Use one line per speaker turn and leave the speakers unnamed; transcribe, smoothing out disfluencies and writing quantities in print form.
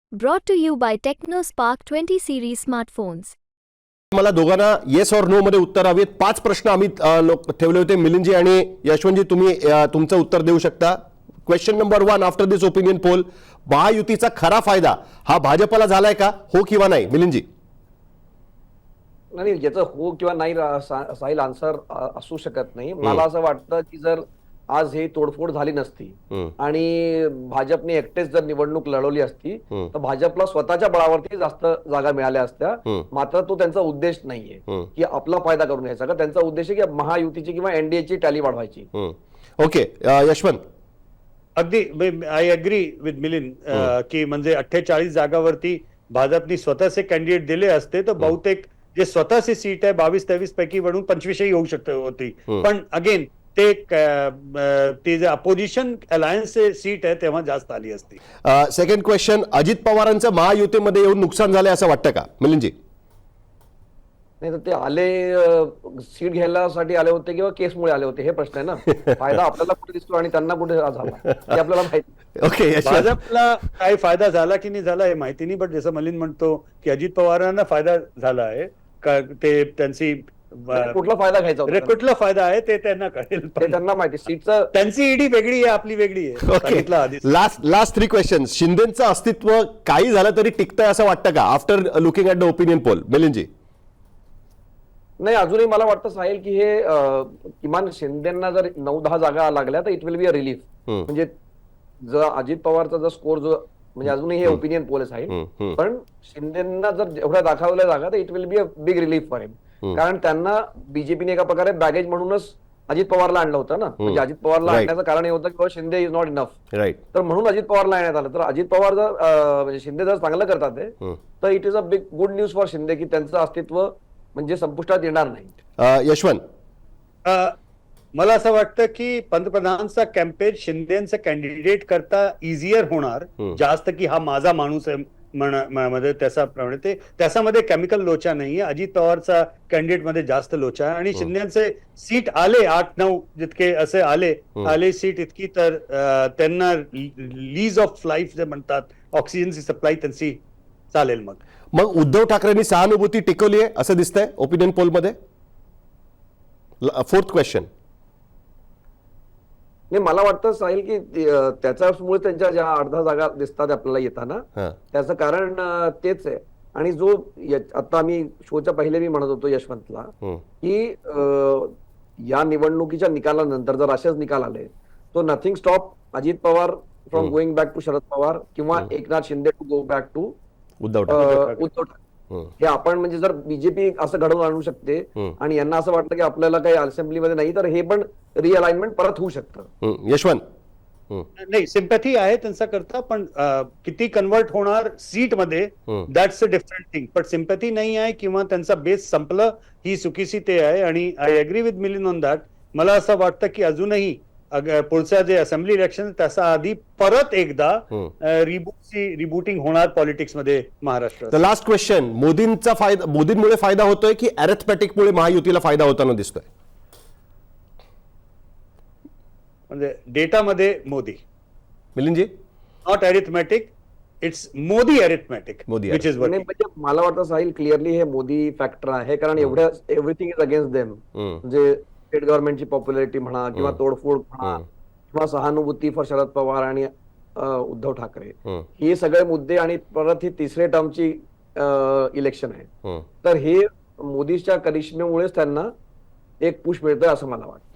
Brought to you by TechnoSpark 20 series smartphones.
मला दोघांना yes और नो मध्ये उत्तर हवीत. 5 प्रश्न आम्ही ठेवले होते. मिलिंदजी आणि यशवंतजी तुम्ही तुमचं उत्तर देऊ शकता. Question number 1 after this opinion poll, महायुतीचा खरा फायदा हा भाजपला झालाय का, हो किंवा नाही? मिलिंदजी.
नाही, ज्याचं हो किंवा नाही साहिल आन्सर असू शकत नाही. मला असं वाटतं की जर आज ही तोडफोड झाली नसती आणि भाजपने एकटेच जर निवडणूक लढवली असती तर भाजपला स्वतःच्या बळावरती जास्त जागा मिळाल्या असत्या. मात्र तो त्यांचा उद्देश नाहीये की आपला फायदा करून घ्यायचा, का त्यांचा उद्देश आहे की महायुतीची किंवा एनडीएची टॅली वाढवायची.
ओके, यशवंत.
अगदी आय अग्री विथ मिलिंद की म्हणजे 48 जागावरती भाजपनी स्वतःचे कॅन्डिडेट दिले असते तर बहुतेक जे स्वतःची सीट आहे 22-23 पैकी बनून 25 होऊ शकते होती. पण अगेन ते जे अपोजिशन अलायन्स सीट आहे तेव्हा जास्त आली असती.
सेकंड क्वेश्चन, अजित पवारांचं महायुतीमध्ये येऊन नुकसान झालंय असं वाटतं का? मिलिंदजी.
नाही तर ते आले सीट घ्यायलासाठी आले होते किंवा केसमुळे आले होते, हे प्रश्न आहे ना. फायदा आपल्याला कुठे दिसतो आणि त्यांना कुठे झाला हे आपल्याला माहिती.
ओके,
भाजपला काय फायदा झाला की नाही झाला हे माहिती नाही, बट जसं मिलिंद म्हणतो की अजित पवारांना फायदा झाला आहे का, ते त्यांची
कुठला फायदा घ्यायचा होता,
कुठला फायदा आहे ते त्यांना कळेल.
ते त्यांना माहिती. सीटचं
त्यांची ईडी वेगळी आहे, आपली वेगळी आहे.
Okay, last 3 questions. शिंदेचं अस्तित्व काही झालं तरी टिकतंय असं वाटतं का after looking at the opinion poll? मिलिंदजी.
नाही, अजूनही मला वाटतं साहिल की हे किमान शिंदेना जर 9-10 जागा लागल्या तर it will be a relief. म्हणजे जर अजित पवारचा जर स्कोर जो म्हणजे अजूनही हे ओपिनियन पोल आहे साहिल, पण शिंदेना जर एवढ्या दाखवल्या जागा तर it will be a big relief for him. कारण त्यांना बीजेपीने एका प्रकारे बॅगेज म्हणूनच अजित पवारला आणलं होतं ना. म्हणजे अजित पवारला आणण्याचं कारण हे होतं की Shinde is not enough,
right.
तर म्हणून अजित पवारला आणण्यात आलं. तर अजित पवार जर म्हणजे शिंदे जर चांगलं करतात तर it is a big good news for Shinde की त्यांचं अस्तित्व म्हणजे संपुष्टात येणार नाही.
यशवंत.
मला असं वाटतं की पंतप्रधानांचा कॅम्पेन शिंदेचं कॅन्डिडेट करता इझियर होणार जास्त, की हा माझा माणूस आहे मध्ये त्याच्याप्रमाणे ते त्याच्यामध्ये केमिकल लोचा नाहीये. अजित पवारचा कॅन्डिडेट मध्ये जास्त लोचा आहे आणि शिंदेचे सीट आले 8-9 जितके असे आले सीट इतकी, तर त्यांना लीज ऑफ लाईफ जे म्हणतात, ऑक्सिजनची सप्लाय त्यांची चालेल. मग
उद्धव ठाकरेंनी सहानुभूती टिकवली आहे असं दिसतंय ओपिनियन पोलमध्ये. 4th question.
नाही, मला वाटतं साहिल की त्याच्यामुळे त्यांच्या ज्या 8-10 जागा दिसतात आपल्याला येताना त्याचं कारण तेच आहे. आणि जो आता आम्ही शोच्या पहिले मी म्हणत होतो यशवंतला की या निवडणुकीच्या निकालानंतर जर असेच निकाल आले तो nothing stop Ajit Pawar from going back to Sharad Pawar किंवा Eknath Shinde to go back to
Uddhav Thackeray.
हे आपण म्हणजे जर बीजेपी असं घडवून आणू शकते आणि यांना असं वाटतं की आपल्याला काही असेंब्लीमध्ये नाही, तर हे पण रिअलाइनमेंट परत होऊ शकतं.
यशवंत.
नाही, सिम्पॅथी आहे त्यांचा करता, पण किती कन्वर्ट होणार सीट मध्ये दॅट्स अ डिफरंट थिंग. पण सिम्पॅथी नाही आहे किंवा त्यांचा बेस संपलं ही चुकीची ते आहे. आणि I agree with Milind on that. मला असं वाटतं की अजूनही पुढच्या जे असेंब्ली इलेक्शन त्याच्या आधी परत एकदा रिबूटिंग होणार पॉलिटिक्स मध्ये महाराष्ट्रात.
लास्ट क्वेश्चन, मोदींचा फायदा मोदींमुळे फायदा होतोय की अॅरिथमॅटिकमुळे महायुतीला फायदा होताना दिसतोय?
म्हणजे डेटामध्ये मोदी.
मिलिंदजी.
Not arithmetic, it's Modi arithmetic which is working.
म्हणजे मला वाटतं साहिल क्लिअरली हे मोदी फॅक्टर आहे, कारण एव्हरीथिंग इज अगेन्स्ट देम. म्हणजे स्टेट गव्हर्नमेंटची पॉप्युलॅरिटी म्हणा किंवा तोडफोड म्हणा किंवा सहानुभूती फॉर शरद पवार आणि उद्धव ठाकरे, हे सगळे मुद्दे आणि परत ही 3ऱ्या टर्मची इलेक्शन आहे. तर हे मोदीच्या करिश्मेमुळेच त्यांना एक पुश मिळतंय असं मला वाटतं.